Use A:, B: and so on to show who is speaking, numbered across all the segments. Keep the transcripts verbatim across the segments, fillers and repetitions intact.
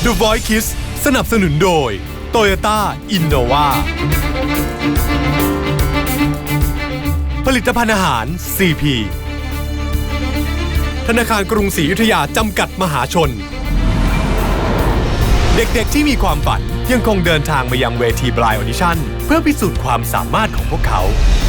A: The Voice Kids สนับสนุนโดย Toyota Innova ผลิตภัณฑ์อาหาร ซี พี ธนาคารกรุงศรีอยุธยาจำกัดมหาชนเด็กๆที่มีความฝันยังคงเดินทางมายังเวที Blind Audition เพื่อพิสูจน์ความสามารถของพวกเขา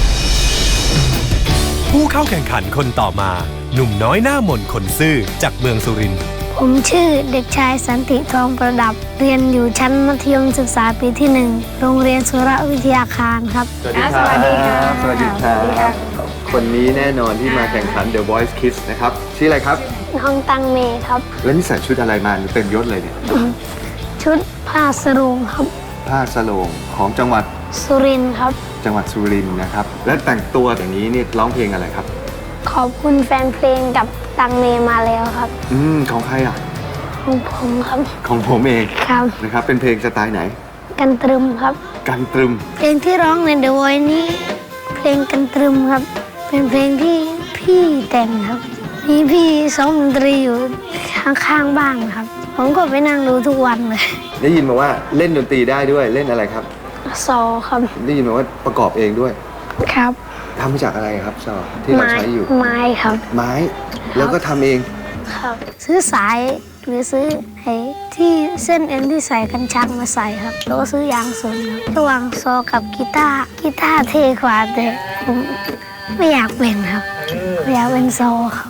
A: ผู้เข้าแข่งขันคนต่อมาหนุ่มน้อยหน้ามนคนซื่อจากเมืองสุรินทร์
B: ผมชื่อเด็กชายสันติทองประดับเรียนอยู่ชั้นมัธยมศึกษาปีที่หนึ่งโรงเรียนสุรวิทยาคารครับ
C: สวัสดีครับสวัสดีครับคนนี้แน่นอนที่มาแข่งขัน The Voice Kids นะครับชื่ออะไรครับ
B: น้องตังเมครับ
C: แล้วนี่ใส่ชุดอะไรมาเต็มยศเลยเนี่ย
B: ชุดผ้าสโรงครับ
C: ผ้าสโรงของจังหวัด
B: สุรินทร์ครับ
C: จังหวัดสุรินทร์นะครับและแต่งตัวอย่างนี้นี่ร้องเพลงอะไรครับ
B: ขอบคุณแฟนเพลงกับตังเมมาแล้วครับ
C: อืมของใครอ่ะ
B: ของผมครับ
C: ของผมเอง
B: ครับ
C: นะครับเป็นเพลงสไตล์ไหน
B: กันตรึมครับ
C: กันตรึม
B: เพลงที่ร้องใน The Voice นี้เพลงกันตรึมครับเป็นเพลงที่พี่แต่งครับมีพี่ซ้อมดนตรีอยู่ข้างๆบ้านครับผมก็ไปนั่งดูทุกวันเลย
C: ได้ยินมาว่าเล่นดนตรีได้ด้วยเล่นอะไรครับ
B: ซอครับ
C: ได้ยินมาว่าประกอบเองด้วย
B: ครับ
C: ทำมาจากอะไรครับซอที่เราใช้อยู่
B: ไม้ครับ
C: ไม้แล้วก็ทำเอง
B: ครับซื้อสายหรือซื้อไอ้ที่เส้นเอ็นที่ใส่กันชักมาใส่ครับแล้วก็ซื้อยางสนครับระหว่างซอกับกีตาร์กีตาร์เท่กว่าแต่ผมไม่อยากเป็นครับไม่อยากเป็นซอครับ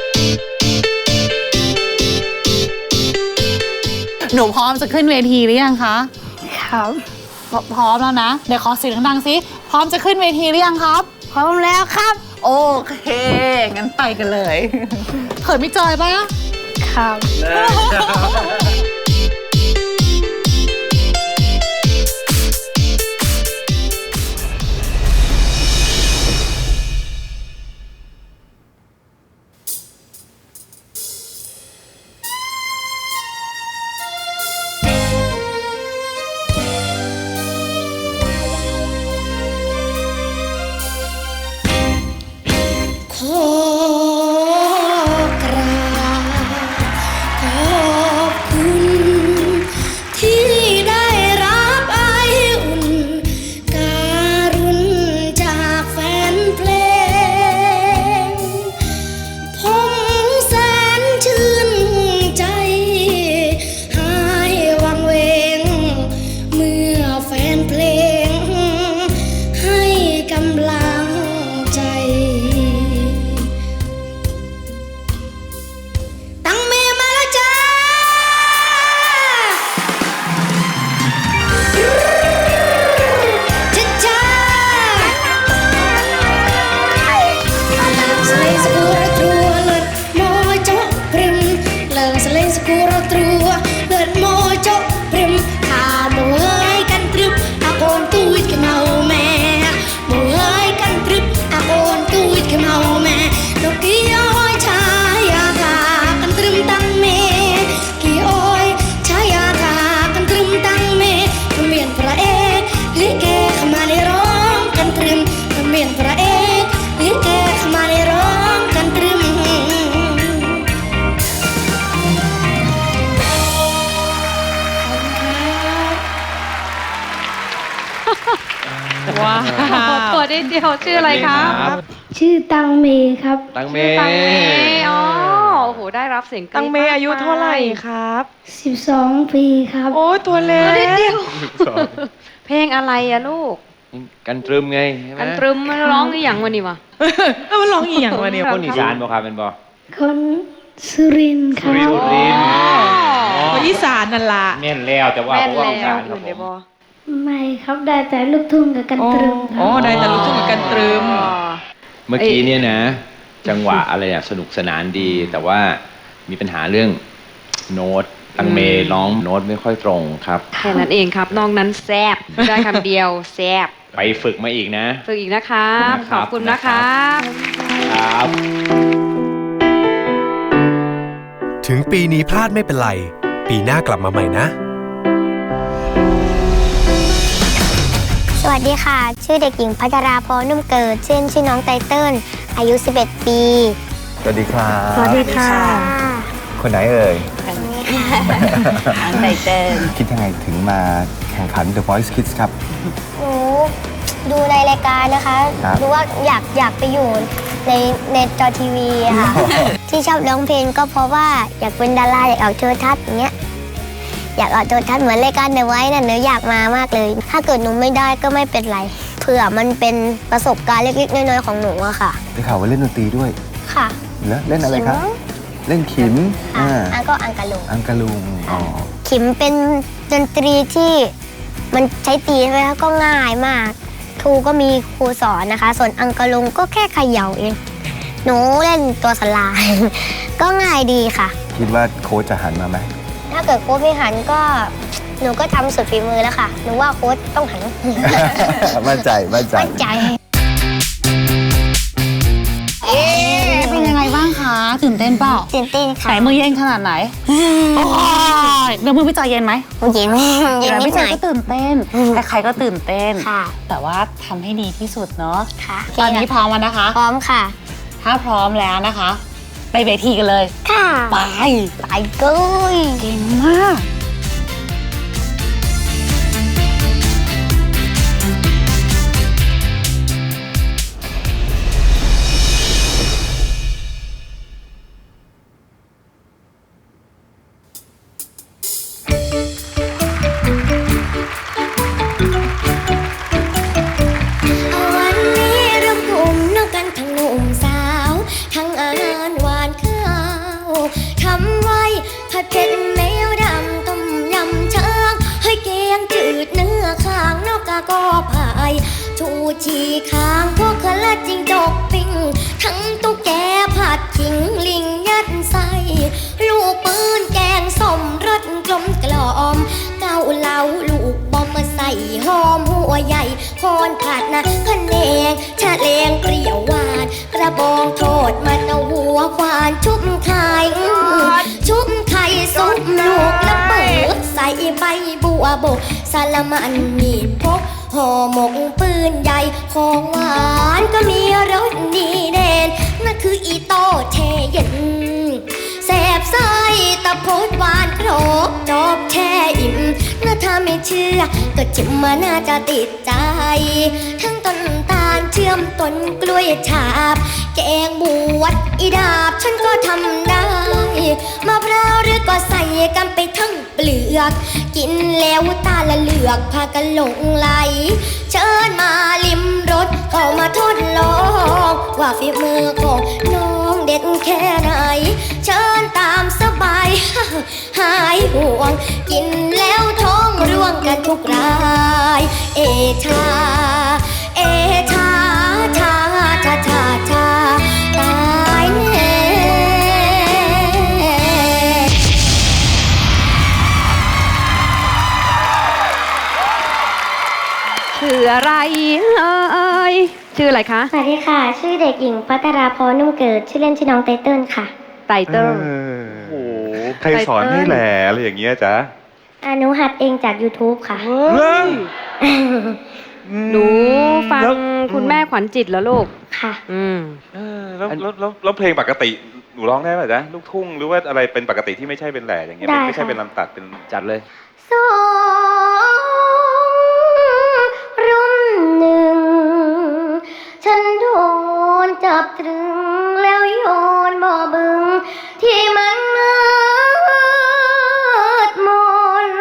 D: หนูพร้อมจะขึ้นเวทีหรือยังคะ
B: ครับ
D: พร้อมแล้วนะเดี๋ยวขอเสียงดังๆสิพร้อมจะขึ้นเวทีหรือยังครับ
B: พร้อมแล้วครับ
D: โอเคงั้นไปกันเลยเขินไม่จอยปะ
B: ครับ
E: ว้าวตัวนิดเดียวชื่ออะไรครับ
B: ชื่อตังเมครับ
C: ตังเม
E: ตังเมอ๋อโอ้โหได้รับเสียง
F: ตังเมอายุเท่าไหร่ครับ
B: สิบสองปีครับ
F: โอ้ตัวเล็ก
E: นิดเดียวเพลงอะไรอะลูก
C: กันตรึมไง
E: กันตรึมมันร้องอีหยังวันนี้วะ
F: แล้วมันร้องอีหยังวันนี้
C: คนอีสานบ่ครับเป็นบ่
B: คนสุรินทร์ครับ
C: สุรินทร์
F: คนอีสานนั่นล่ะ
C: แม่นแล้วแต่ว่าเพราะว่าอีสานครับ
B: ไม่ครับได้แต่ลูกทุ่งกับกันตรึม
F: อ๋อได้แต่ลูกทุ่งกับกันตรึม
C: เมื่อกี้เนี่ยนะจังหวะอะไรเนี่ยสนุกสนานดีแต่ว่ามีปัญหาเรื่องโน้ตตังเมร้องโน้ตไม่ค่อยตรงครับ
E: แค่นั้นเองครับนอกนั้นแซบได้คำเดียวแซบ
C: ไปฝึกมาอีกนะ
E: ฝึกอีกนะครับขอบคุณนะครับ
C: ครับ
A: ถึงปีนี้พลาดไม่เป็นไรปีหน้ากลับมาใหม่นะ
B: สวัสดีค่ะชื่อเด็กหญิงพัชราพรนุ่มเกิดชื่อชื่อน้องไตเติ้ลอายุสิบเอ็ดปี
C: สวัสดีครับ
B: สวัสดีค่ะ
C: คนไหนเอ่ย
B: คนนี้ค่ะ
D: ช้างไตเติ้ล
G: คิดยังไงถึงมาแข่งขัน The Voice Kids ครับ
B: หนูดูในรายการนะคะ
G: ครับ
B: รู้ว่าอยากอยากไปอยู่ในในจอทีวีอะค่ะ ที่ชอบร้องเพลงก็เพราะว่าอยากเป็นดาราอยากออกโทรทัศน์อย่างเงี้ยอยากออกโทรทัศน์เหมือนรายการเดอะไวท์น่ะหนูอยากมามากเลย ถ้าเกิดหนูไม่ได้ก็ไม่เป็นไรเผื่อมันเป็นประสบการณ์เล็กๆน้อยๆของหนูอะค่ะ
G: ได้ข่าวว่าเล่นดนตรีด้วย
B: ค่ะ
G: แล้วเล่นอะไรครับ เล่นขิม
B: อ่ะ
G: อ่า
B: อันก็อังกะลุง
G: อังกะลุงอ๋อ
B: ขิมเป็นดนตรีที่มันใช้ตีใช่ไหมคะก็ง่ายมากครูก็มีครูสอนนะคะ ส่วนอังกะลุงก็แค่เขย่าเองหนูเล่นตัวสลาย ก็ง่ายดีค่ะ
G: คิดว่าโค้ชจะหันมาไหม
B: ถ้าเกิดโค้ชไม่หันก็หนูก็ทำสุดฝีมือแล้วค่ะหนูว่าโค้ชต้องหัน
G: มั่นใจ มั่นใจ
B: มั่นใจ
D: เป็นยังไงบ้างคะ ตื่นเต้นเปล่า
B: ตื่นเต้นค่ะ
D: ไหนมือเย็นขนาดไหนโอ้ยเดี๋ยวมือพี่จอยเย็นไหม
B: เย็นเย็น
D: เดี๋ยว
B: นิ
D: พี่
B: ด
D: จ
B: ห
D: อ
B: น่
D: ย
B: อย
D: ก็ตื่นเต้น
B: อืม
D: ใครๆก็ตื่นเต้น
B: ค่ะ
D: แต่ว่าทำให้ดีที่สุดเนาะ
B: ค่ะ
D: ตอนนี้พร้อมแล้วนะคะ
B: พร้อมค่ะ
D: ถ้าพร้อมแล้วนะคะ ไปเวทีกันเลย
B: ค่ะ
D: ไป
B: ไปเลย
D: เก่งมาก
H: วันนี้รวมกลุ่มนักกันทั้งหนุ่มสาว ทั้งอาหารหวานข้าวทำไว้ผัดเผ็ดแมวดำต้มยำช้างให้แกงจืดเนื้อข้างนอกกาก็พายชูชีข้างพวกขละจิงจกปิ้งทั้งตุ๊กแกผัดขิงลิงยัดใส่ลูกปืนแกงส้มรสกลมกล่อมเกาเหลาลูกบอมมาใส่หอมหัวใหญ่คอนผัดนะขะแนงชะเลงเปรี้ยวหวานกระบองโทษมันเอาหัวควานชุบไข่ชุบไข่ซุปลูกละเบิดใส่ใบบัวบกสาละมันมีพกห่อหมกปืนใหญ่ของหวานก็มีรสดีเด่นนั่นคืออีโต้เทเย็นแสบไส้ตะโพดหวานครบจบแช่อิ่มน่าถ้าไม่เชื่อก็จิมมาน่าจะติดใจ ทั้งต้นตาลเชื่อมต้นกล้วยฉาบ แกงบวชอีดาบฉันก็ทำได้มะพร้าวหรือก็ใส่กันไปทั้งเปลือก กินแล้วตาละเหลือกพากันหลงไหล เชิญมาลิมรสเข้ามาทดลองว่าฝีมือของน้องเด็ดแค่ไหน เชิญตามสบาย หายห่วง กินแล้วท้องร่วงกันทุกราย เอชา เอชา ชา ชา ชา ชา ตายแน่
E: ชื่ออะไรเอ่ยชื่ออะไรคะ
B: สวัสดีค่ะ ชื่อเด็กหญิงพัทราพรนุ่มเกิด ชื่อเล่นชื่อน้องไตเติ้ลค่ะ
E: ไตเติ้ล
I: โอ้โหใครสอนให้แหล่อะไรอย่างเงี้ยจ๊ะ
B: อานุหัดเองจาก YouTube ค่ะ
I: เรื่อง
E: หนูฟังคุณแม่ขวัญจิตแล้วลูก
B: ค่ะ
E: อืม
I: เออแล้วแล้วแล้วแล้วเพลงปกติหนูร้องได้ป่ะจ๊ะลูกทุ่งหรือว่าอะไรเป็นปกติที่ไม่ใช่เป็นแหล่อย่างเงี้ย
B: ได้
I: ไม่ใช่
B: ค่ะ
I: เป็นลำตัดเป็น
C: จัดเลย
B: สองรุ่มหนึ่ง ฉันโดนจับตรึงแล้วโยนบ่อบึง ที่มันมืดมน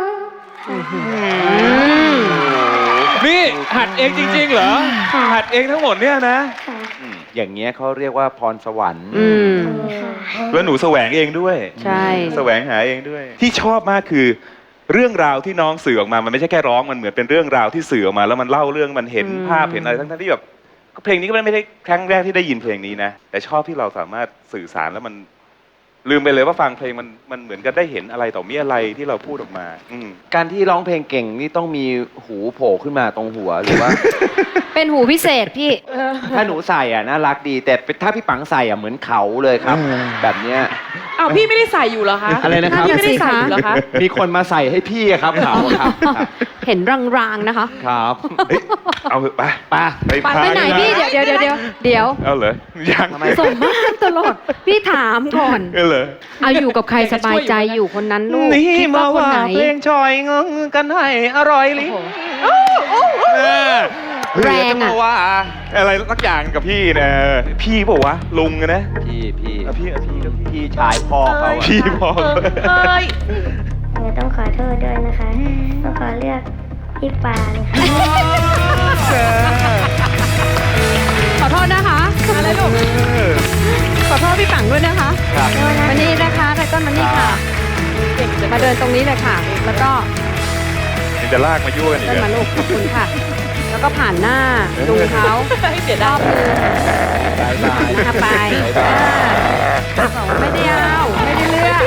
I: นี่หัดเองจริงๆเหรอ
B: ค่ะ
I: หัดเองทั้งหมดเนี่ยนะ
B: ค่ะ
C: อืมอย่างเงี้ยเขาเรียกว่าพรสวรรค์
E: อืม
I: แล้วหนูแสวงเองด้วย
E: ใช่
I: แสวงหาเองด้วย ที่ชอบมากคือเรื่องราวที่น้องสื่อออกมามันไม่ใช่แค่ร้องมันเหมือนเป็นเรื่องราวที่สื่อออกมาแล้วมันเล่าเรื่องมันเห็น
E: อืม
I: ภาพเห็นอะไรทั้งๆที่แบบก็เพลงนี้ก็ไม่ได้ครั้งแรกที่ได้ยินเพลงนี้นะแต่ชอบที่เราสามารถสื่อสารแล้วมันลืมไปเลยว่าฟังเพลงมันมันเหมือนกับได้เห็นอะไรต่อมีอะไรที่เราพูดออกมา อืม
C: การที่ร้องเพลงเก่งนี่ต้องมีหูโผล่ขึ้นมาตรงหัวหรือว่า
E: เป็นหูพิเศษพี่
C: ถ้าหนูใส่อ่ะน่ารักดี แต่ถ้าพี่ปังใส่อ่ะเหมือนเขาเลยครับ แบบเนี้ย
F: อ้าวพี่ไม่ได้ใส่อยู่เหรอคะ
C: อะไรนะครับ
F: พี่ไม่ได้ใส่อยู่เหรอคะ
C: มีคนมาใส่ให้พี่อะครับขาวครับครับ
E: เห็นรางๆนะคะ
C: ครับ
I: เฮ้ยเอาเถอะไป
C: ไป้า
I: ไป
E: ไป
I: พา
E: ไหนพี่เดี๋ยวเดี๋ยวเดี๋ยวเดี๋ยวเดี๋ยว
I: เอาเหรอยัง
C: ทำไม
E: ส่งมากตลอด พี่ถามก่อน
I: เอาเหรอ
E: เอาอยู่กับใครสบายใจอยู่คนนั้นลูกคิดว่าคนไหน
C: ชอยงงกันให้อร่อยลิ้น
E: แรงอะ
I: ว่าอะไรสักอย่างกับพี่นะพี่บอกว่าวะลุงอะนะ
C: พี่พี่
I: อ่ะพี่อ่ะพี่ก็พี่
C: พี่ชายพ่อเขาอะ
I: พี่พอ
F: เอ้ย
B: หนูต้องขอโทษด้วยนะคะต้องขอเลือกพี่ปาเลยค่ะ
E: ขอโทษนะคะอะไรลูกขอโทษพี่ปังด้วยนะคะมานี่นะคะไทก้อนมานี่ค่ะ มาเดินตรงนี้เลยค่ะ แล้วก็
I: ยังจะลากมายั่วกันอีก
E: เดิน
I: เหร
E: มา
I: อ
E: ลูกขอบคุณค่ะ แล้วก็ผ่านหน้าลุงเขา
F: เสีย
E: ร
F: ดา
E: อย บมือบ
C: ายบาย
E: นะคะไปอ่าบอกว่าไม่ได้เอาไม่ได้เลือก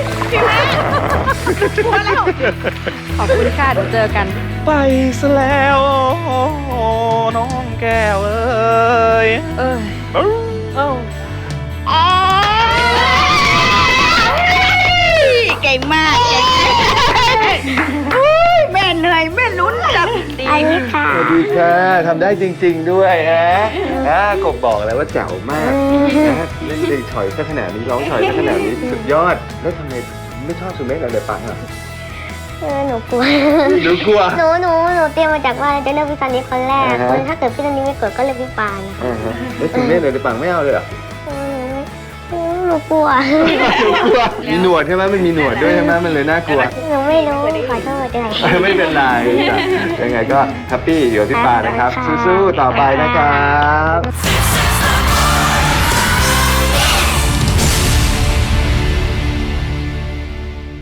E: ขอบคุณค่ะเดี๋ยวเจอกัน
C: ไปซะแล้วน้องแก้วเอ้ย
E: เออ
F: เอ้าเก่งมากเก่งแม่เหนื่อยแม่ลุ้นจับดี
B: อันนี้ค่ะ
G: สวัสดีค่ะทำได้จริง ๆ ด้วยฮะฮะกบบอกแล้วว่าแจ๋วมากนะเล่นเพลงฉ่อยซะขนาดนี้ร้องฉ่อยซะขนาดนี้สุดยอด แล้วทำไมไม่ชอบสุเมฆเราเลยปังอ่ะ
B: เออหนูกลัว
G: หนูกลัว
B: หนูหนูหนูเตรียมมาจากว่าจะเลือกพี่ซันนี่คนแรก
G: อ่าฮะ
B: คนถ้าเกิดพี่ซันนี่ไม่กดก็เลือกพี่ปานค่ะ
G: อ่าฮะแล้วสุเมฆเราเลยปังไม่เอาเลยเหรอ
B: เออหนูหนูกลัว
G: หนูกลัวมีหนวดใช่ไหมมันมีหนวดด้วยใช่ไหมมันเลยน่ากลัว
B: หนูไม่รู้ขอโทษด้วย
G: ไม่เป็นไรยังไงก็แฮปปี้อยู่ที่ปานะครับ สู้ๆต่อไปนะครับ